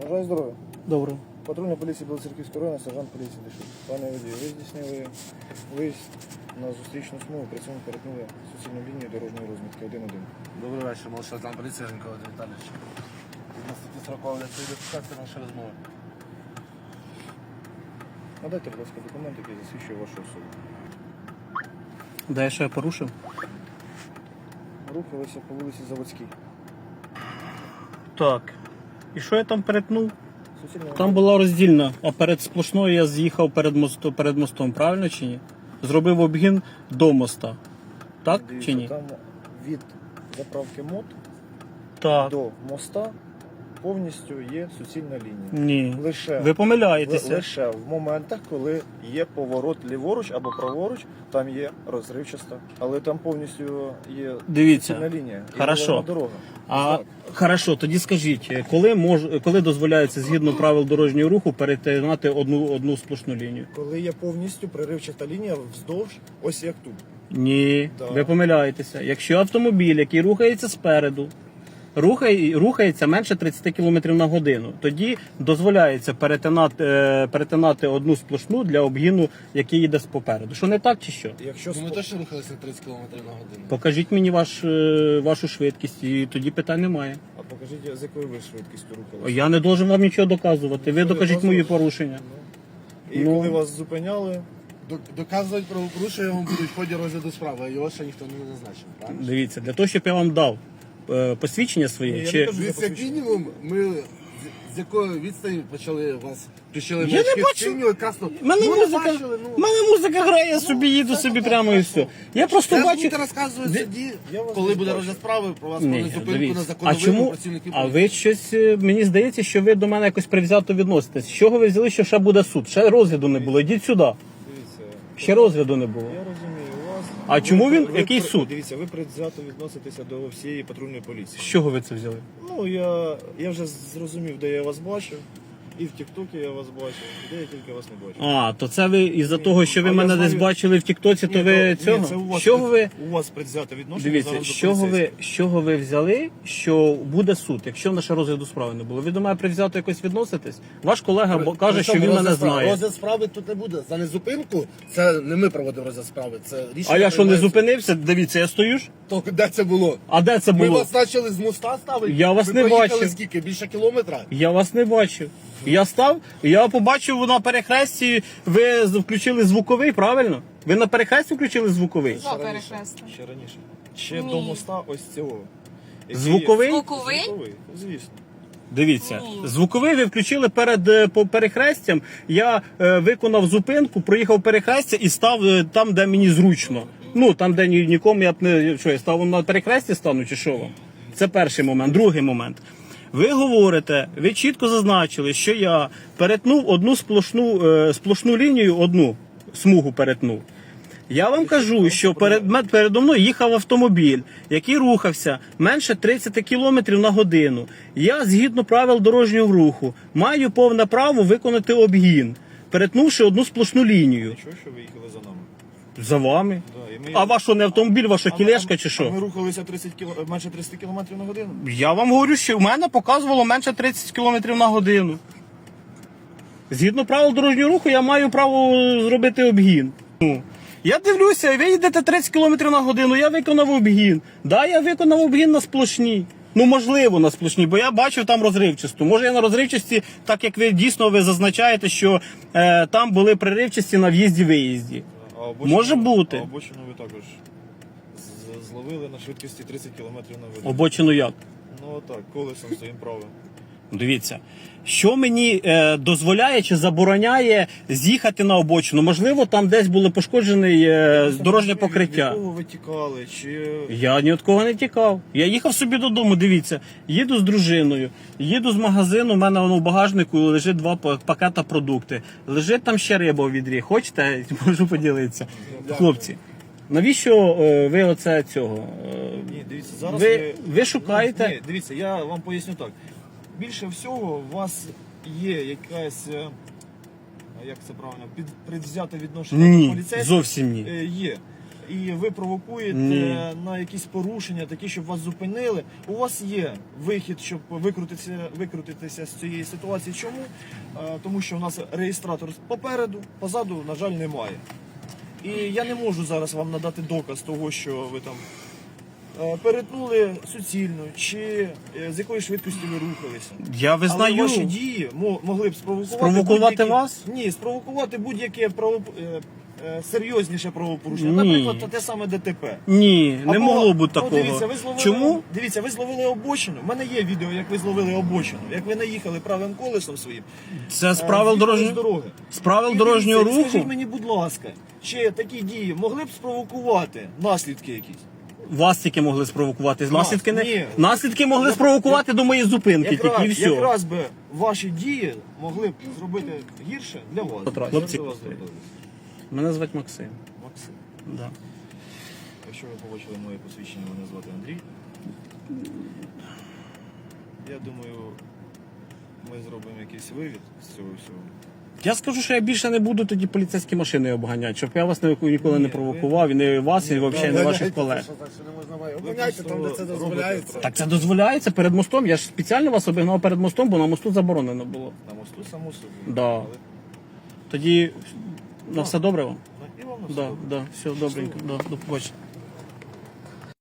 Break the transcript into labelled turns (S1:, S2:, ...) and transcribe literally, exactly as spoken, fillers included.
S1: Бажаю здоров'я.
S2: Добре.
S1: Патрульна поліція Білоцерківського району, сержант поліції Дешук. Пане водію, ви здійснили виїзд на зустрічну смугу, при цьому перетнули суцільну лінію дорожньої розмітки один один.
S3: Добрий вечір, молодший сержант поліції Женкова Віталійович. Відносно статті сорокової ідентифікації наша розмова.
S1: Надайте, будь ласка, документ, який засвідчує вашу особу.
S2: Де я ще порушив?
S1: Рухалися по вулиці Заводській.
S2: Так. І що я там перетнув?
S1: Суцільна
S2: Там була роздільна, а перед сплошною я з'їхав перед мостом, перед мостом, правильно чи ні? Зробив обгін до моста. Так
S1: Дивіться,
S2: чи ні?
S1: Там від заправки МОТ
S2: Так.
S1: до моста повністю є суцільна лінія.
S2: Ні.
S1: Лише,
S2: Ви помиляєтеся.
S1: лише в моментах, коли є поворот ліворуч або праворуч, там є розривчаста. Але там повністю є
S2: Дивіться.
S1: суцільна лінія. І
S2: Хорошо.
S1: головна дорога.
S2: А
S1: Так.
S2: хорошо, тоді скажіть, коли мож, коли дозволяється згідно правил дорожнього руху перетинати одну одну сплошну лінію?
S1: Коли є повністю проривчата лінія вздовж, ось як тут.
S2: Ні,
S1: Да.
S2: ви помиляєтеся. Якщо автомобіль, який рухається спереду, рухає, рухається менше тридцять кілометрів на годину, тоді дозволяється перетинати, е, перетинати одну сплошну для обгіну, який їде попереду. Що не так чи що?
S1: Якщо
S3: Ми
S1: спо-
S3: точно рухалися тридцять кілометрів на годину.
S2: Покажіть мені ваш, е, вашу швидкість, і тоді питань немає.
S1: А покажіть, з якою ви швидкістю рухалися.
S2: Я не должен вам нічого доказувати. Ви
S1: Що
S2: докажіть
S1: доказувати?
S2: мої порушення.
S1: І
S2: Ну.
S1: коли вас зупиняли,
S3: До- Доказувати правопорушення вам будуть в ході розгляду справи, а його ще ніхто не назначив, правильно?
S2: Дивіться, для того, щоб я вам дав е, посвідчення своє,
S1: Ні, я
S2: чи...
S1: не кажу.
S3: Дивіться, як мінімум, ми з- з якої відстані почали вас включили
S2: Я не бачу.
S3: синю і красну.
S2: Мене
S3: Ну, не
S2: музика,
S3: бачили, ну.
S2: мене музика грає, я собі їду
S3: це
S2: собі
S3: так,
S2: прямо і
S3: так,
S2: все. Я просто
S3: Зараз
S2: бачу.
S3: будете розказувати
S2: Де-
S3: судді,
S1: Я вас
S3: коли
S1: не
S3: буде
S1: бачу.
S3: розгляд справи, про вас про
S2: Ні,
S3: незупинку на
S2: дивіться. А
S3: законовому
S2: чому?
S3: працівників
S2: А
S3: поліції.
S2: ви щось, е, мені здається, що ви до мене якось привзято відноситесь. З чого ви взяли, що ще буде суд? Ще розгляду не було. Йдіть сюди.
S1: дивіться,
S2: Ще розгляду не було.
S1: я розумію вас.
S2: А
S1: Ви-
S2: чому він-
S1: ви-
S2: який
S1: ви-
S2: суд?
S1: Дивіться, ви предвзято відноситеся до всієї патрульної поліції.
S2: З чого ви це взяли?
S1: Ну, я, я вже зрозумів, де я вас бачив. І в Тіктокі я вас бачив, де я тільки вас не бачив.
S2: А, то це ви із-за того, що ви
S1: а я
S2: мене
S1: знаю-
S2: десь бачили в Тіктоці, то
S1: Ні,
S2: ви
S1: то-
S2: цього?
S1: Ні, це у вас,
S2: з чого ви...
S1: у вас предвзяте відношення
S2: Дивіться,
S1: зараз
S2: з
S1: до
S2: чого ви,
S1: поліцейських.
S2: з чого ви взяли, що буде суд, якщо в наше розгляду справи не було? Ви до мене привзято якось відноситесь? Ваш колега бо- каже, що він
S3: Причому
S2: мене
S3: розгляд справи-
S2: знає.
S3: Розгляд справи тут не буде. За незупинку це не ми проводимо розгляд справи. Це рішення
S2: А я що, не
S3: приймається.
S2: зупинився? Дивіться, я стою ж?
S3: То де це було?
S2: А де це
S3: Ми
S2: було?
S3: вас почали з моста ставити.
S2: Я вас
S3: Ви
S2: не
S3: проїхали
S2: бачив.
S3: скільки? Більше кілометра?
S2: Я вас не бачив. Я став, я побачив на перехресті, ви з- включили звуковий, правильно? Ви на перехресті включили звуковий?
S1: Ще раніше.
S4: перехрестя.
S1: Ще раніше. Ще
S4: Ні.
S1: до моста ось цього. Який-
S2: Звуковий?
S4: Звуковий?
S1: Звуковий, звісно.
S2: Дивіться,
S4: Ні.
S2: звуковий ви включили перед е, по перехрестям. Я е, виконав зупинку, проїхав перехрестя і став е, там, де мені зручно. Ну, там, де ні, нікому я б не. Що, я став на перехресті стану, чи що вам? Це перший момент. Другий момент. Ви говорите, ви чітко зазначили, що я перетнув одну сплошну, е, сплошну лінію, одну смугу перетнув. Я вам кажу, що перед, ме- передо мною їхав автомобіль, який рухався менше тридцять кілометрів на годину. Я, згідно правил дорожнього руху, маю повне право виконати обгін, перетнувши одну сплошну лінію.
S1: Чого, що ви їхали за нами?
S2: За вами.
S1: Да, і ми-
S2: А ваш що, не автомобіль, ваша
S1: А ми-
S2: кілешка
S1: а-
S2: чи
S1: А
S2: що?
S1: ми рухалися тридцять кіло... менше тридцять кілометрів на годину.
S2: Я вам говорю, що в мене показувало менше тридцять кілометрів на годину. Згідно правил дорожнього руху, я маю право зробити обгін. Ну, я дивлюся, ви їдете тридцять кілометрів на годину, я виконав обгін. Да, я виконав обгін на сплошній. Ну, можливо, на сплошній, бо я бачив там розривчасту. Може, я на розривчасті, так як ви дійсно ви зазначаєте, що е, там були приривчасті на в'їзді-виїзді.
S1: А обочину-
S2: Може бути.
S1: А обочину ви також з- зловили на швидкості тридцять кілометрів на годину.
S2: Обочину як?
S1: Ну отак, колесом своїм правим.
S2: Дивіться, що мені е, дозволяє чи забороняє з'їхати на обочину? Можливо, там десь було пошкоджене е, дорожнє покриття.
S1: Від кого ви тікали? Чи...
S2: Я ні від кого не тікав. Я їхав собі додому, дивіться, їду з дружиною, їду з магазину, у мене воно в багажнику лежить два па- пакета продукти. Лежить там ще риба у відрі. Хочете? Можу поділитися. Хлопці, навіщо е, ви оце цього? Е,
S1: Ні, дивіться, зараз
S2: Ви-
S1: ви...
S2: ви шукаєте-
S1: Ні, дивіться, я вам поясню так. Більше всього у вас є якась, е, як це правильно, під, предвзяте відношення до
S2: Ні,
S1: поліцейських.
S2: зовсім ні.
S1: Е, Є. і ви провокуєте
S2: Ні.
S1: на якісь порушення, такі, щоб вас зупинили. У вас є вихід, щоб викрутитися, викрутитися з цієї ситуації. Чому? Е, Тому що у нас реєстратор попереду, позаду, на жаль, немає. І я не можу зараз вам надати доказ того, що ви там е, перетнули суцільно, чи е, з якої швидкості ви рухалися.
S2: Я визнаю.
S1: Але ваші дії мо- могли б спровокувати,
S2: Спровокувати
S1: будь-які-
S2: вас?
S1: Ні, спровокувати будь-яке право, е, е, серйозніше правопорушення.
S2: Ні.
S1: Наприклад, те саме ДТП.
S2: Ні, не
S1: Або,
S2: могло бути
S1: ну,
S2: такого.
S1: Дивіться, ви зловили,
S2: Чому?
S1: Дивіться, ви зловили обочину. У мене є відео, як ви зловили обочину, як ви наїхали правим колесом своїм.
S2: Це з
S1: е,
S2: правил
S1: з'їхали з
S2: дорожнього
S1: дороги.
S2: з правил
S1: І
S2: дорожнього
S1: дивіться, і Скажіть
S2: руху.
S1: мені, будь ласка, чи такі дії могли б спровокувати наслідки якісь?
S2: Вас тільки могли спровокувати. Наслідки не
S1: ні.
S2: наслідки могли
S1: Я-
S2: спровокувати до моєї зупинки,
S1: Якраз,
S2: тільки і все.
S1: якраз би ваші дії могли б зробити гірше для вас.
S2: Петро,
S1: Як
S2: хлопці.
S1: до вас звертались?
S2: Мене звати Максим.
S1: Максим.
S2: Да.
S1: Якщо ви побачили моє посвідчення, мене звати Андрій. Я думаю, ми зробимо якийсь вивід з цього всього.
S2: Я скажу, що я більше не буду тоді поліцейські машини обганяти, щоб я вас ні- ніколи не
S1: Ні,
S2: провокував, і не вас, і
S1: Ні,
S2: взагалі не ваших колег.
S3: Що так, що не можна має.
S1: Ви
S3: Обганяйте там, де
S1: просто
S3: це
S1: робите
S3: дозволяється.
S1: це.
S2: Так це дозволяється перед мостом. Я ж спеціально вас обігнав перед мостом, бо на мосту заборонено було.
S1: На мосту само собі.
S2: Да.
S1: Але-
S2: Тоді на все добре вам?
S1: Ну, і вам на все
S2: Да,
S1: добре.
S2: да, все добренько. Да, до побачення.